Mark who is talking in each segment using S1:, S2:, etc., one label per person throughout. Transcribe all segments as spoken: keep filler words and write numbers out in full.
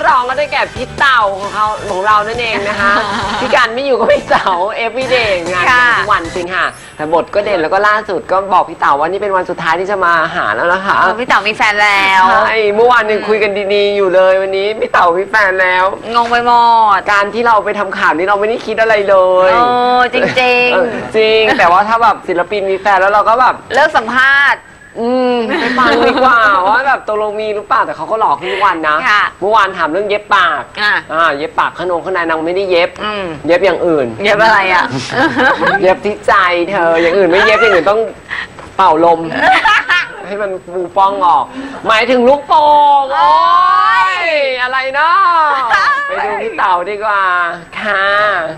S1: รองก็ได้แก่พี่เต่าของเขาของเรานั่นเองนะคะพี่การไม่อยู่ก็พี่เต่า everyday งานทุกวันจริงค่ะแต่บทก็เด่นแล้วก็ล่าสุดก็บอกพี่เต่าว่านี่เป็นวันสุดท้ายที่จะมาหาแล้วนะคะ
S2: พี่เต่ามีแฟนแล้ว
S1: ใช่เมื่อวานยังคุยกันดีๆอยู่เลยวันนี้พี่เต่ามีแฟนแล้ว
S2: งงไปหมด
S1: การที่เราไปทำข่าวนี้เราไม่ได้คิดอะไรเลย
S2: โอ้จริงจริง
S1: จริงแต่ว่าถ้าแบบศิลปินมีแฟนแล้วเราก็แบบ
S2: เลิกสัมภาษณ์
S1: อืมไปฟังดีกว่าว่าแบบตกลงมีหรือเปล่าแต่เขาก็หลอกทุกวันนะเมื่อวานถามเรื่องเย็บปากอ่าเย็บปากขนมข้างในนางไม่ได้เย็บเย็บอย่างอื่น
S2: เย็บอะไรอ่ะ
S1: เย็บที่ใจเธออย่างอื่นไม่เย็บอย่างอื่นต้องเป่าลมให้มันฟูป้องออกหมายถึงลูกโป่งโอ้ยอะไรเนาะไปดูพี่เต่าดีกว่าค่ะ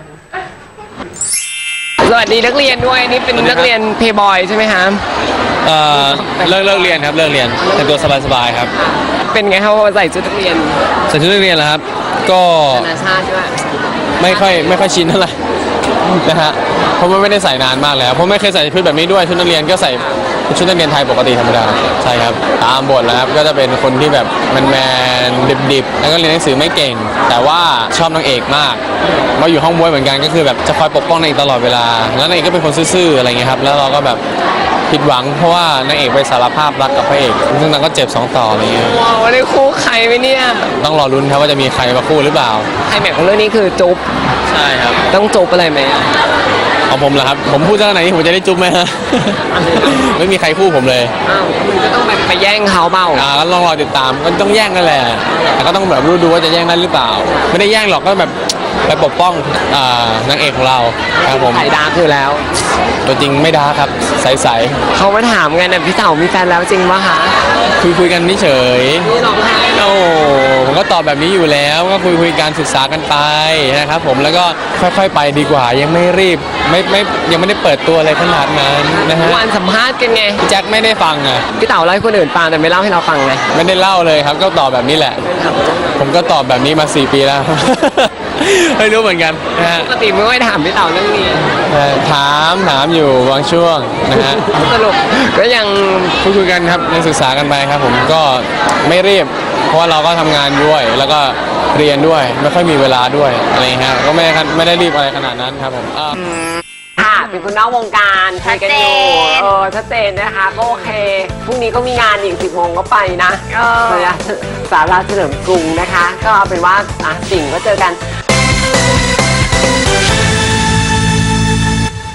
S1: สวัสดีนักเรียนด้วยนี่เป็นนักเรียนเพย์บอยใช่ไหมคะ
S3: เอ่อเลิกเลิกเรียนครับเลิกเรียนแต่ตัวสบายๆครับ
S1: เป็นไงครับว่าใส่ชุดนักเรียน
S3: ใส่ชุดนักเรียนเหรอครับก็
S1: นานาชาติด้วย
S3: ไม่ค่อยไม่ค่อยชินเท่าไหร่นะฮะเพราะว่าไม่ได้ใส่นานมากแล้วเพราะไม่เคยใส่ชุดแบบนี้ด้วยชุดนักเรียนก็ใส่ชุดนักเรียนไทยปกติธรรมดาใช่ครับตามบทแล้วครับก็จะเป็นคนที่แบบแมนๆดิบๆแล้วก็เรียนหนังสือไม่เก่งแต่ว่าชอบนางเอกมากมาอยู่ห้องบวยเหมือนกันก็คือแบบจะคอยปกป้องนางเอกตลอดเวลาแล้วนางเอกก็เป็นคนซื่อๆอะไรเงี้ยครับแล้วเราก็แบบผิดหวังเพราะว่านางเอกไปสารภาพรักกับพระเอกซึ่งนางก็เจ็บสองต่ออะไรเงี้ย
S1: ว้าวได้คู่ใครไหมเนี่ย
S3: ต้องรอลุ้นครับว่าจะมีใครมาคู่หรือเปล่า
S1: ไฮแม็กของเรื่องนี้คือจุ๊บ
S3: ใช่ครับ
S1: ต้องจุ๊บอะไรไหม
S3: เอาผมเหรอครับผมพูดจากไหนผมจะได้จุ๊บไหมฮะไม่มีใครคู่ผมเลย
S1: อ้าวคุณก็ต้องไปแย่งเขาเปล่า
S3: อ่าก็ต้องรอติดตามก็ต้องแย่งกันแหละแต่ก็ต้องแบบรู้ดูว่าจะแย่งได้หรือเปล่าไม่ได้แย่งหรอกก็แบบไปปกป้องนางเอกของเราครับผม
S1: ใส่ดาร์กคือแล้ว
S3: ตัวจริงไม่ดาร์กครับใสๆ
S1: เขามาถามกันนะพี่เต่ามีแฟนแล้วจริงปะคะ
S3: คุยคุยกันนี่เฉย
S1: นี่ร้องไห้
S3: โอ้ผมก็ตอบแบบนี้อยู่แล้วก็คุยคุยการศึกษากันไปนะครับผมแล้วก็ค่อยๆไปดีกว่ายังไม่รีบไม่ไม่ยังไม่ได้เปิดตัวอะไรขนาดนั้นนะฮะ
S1: วันสัมภาษณ์กันไง
S3: แจ็คไม่ได้ฟังอ่ะ
S1: พี่เต่าเล่าให้คนอื่นฟังแต่ไม่เล่าให้เราฟังเลย
S3: ไม่ได้เล่าเลยครับก็ตอบแบบนี้แหละผมก็ตอบแบบนี้มาสี่ปีแล้วไม่รู้เหมือนกันนะฮะ
S1: ปกติไม่ค่อยถามพี่เต่าเรื่องนี้
S3: ถามถามอยู่บางช่วงนะฮะ
S1: สรุปก็ยัง
S3: คุยคุยกันครับยังศึกษากันไปครับผมก็ไม่รีบเพราะว่าเราก็ทำงานด้วยแล้วก็เรียนด้วยไม่ค่อยมีเวลาด้วยอะไรฮะก็ไม่ได้ไม่ได้รีบอะไรขนาดนั้นครับผม
S1: ค่ะเป็นคนนอกวงการคุยกันอยู่เออชัดเจนนะคะก็โอเคพรุ่งนี้ก็มีงานอีกสิบโมงก็ไปนะสาราเฉลิมกรุงนะคะก็เอาเป็นว่าอ่ะสิ่งก็เจอกัน